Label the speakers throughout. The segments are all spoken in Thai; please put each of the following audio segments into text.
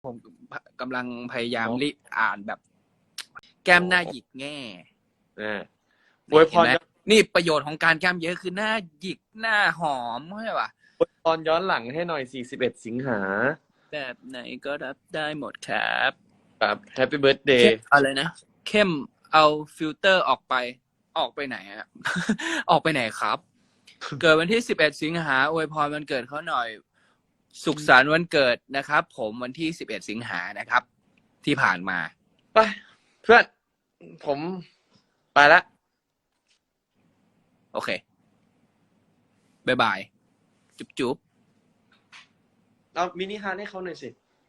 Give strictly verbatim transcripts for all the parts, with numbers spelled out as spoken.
Speaker 1: ผมกำลังพยายามรีบอ่านแบบ แก้มหน้าหยิกแง่
Speaker 2: อวยพร
Speaker 1: นี่ประโยชน์ของการแก้มเยอะคือหน้าหยิกหน้าหอมใช่ป่ะ
Speaker 2: อวยพรย้อนหลังให้หน่อยสี่สิบเอ็ดสิงหา
Speaker 1: แบบไหนก็รับได้หมดครับ
Speaker 2: ครับแฮปปี้เบิร์ธเดย์
Speaker 1: อะไรนะเข้มเอาฟิลเตอร์ออกไปออกไปไหนอะ ออกไปไหนครับ เกิดวันที่สิบเอ็ดสิงหาอวยพรวันเกิดเขาหน่อยสุขสันต์วันเกิดนะครับผมวันที่สิบเอ็ดสิงหานะครับที่ผ่านมา
Speaker 2: ไปเพื่อนผมไปละ
Speaker 1: โอเคบายบายจุ๊บจุ๊บ
Speaker 2: เอามินิฮาร์ทให้เขาหน่อยสิ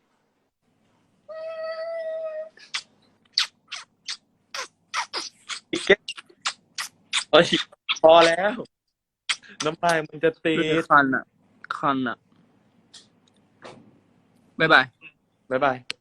Speaker 2: เอ้ยพอแล้วน้ำลายมันจะตี
Speaker 1: คันอ่ะคันอ่ะบายบาย
Speaker 2: บ๊ายบาย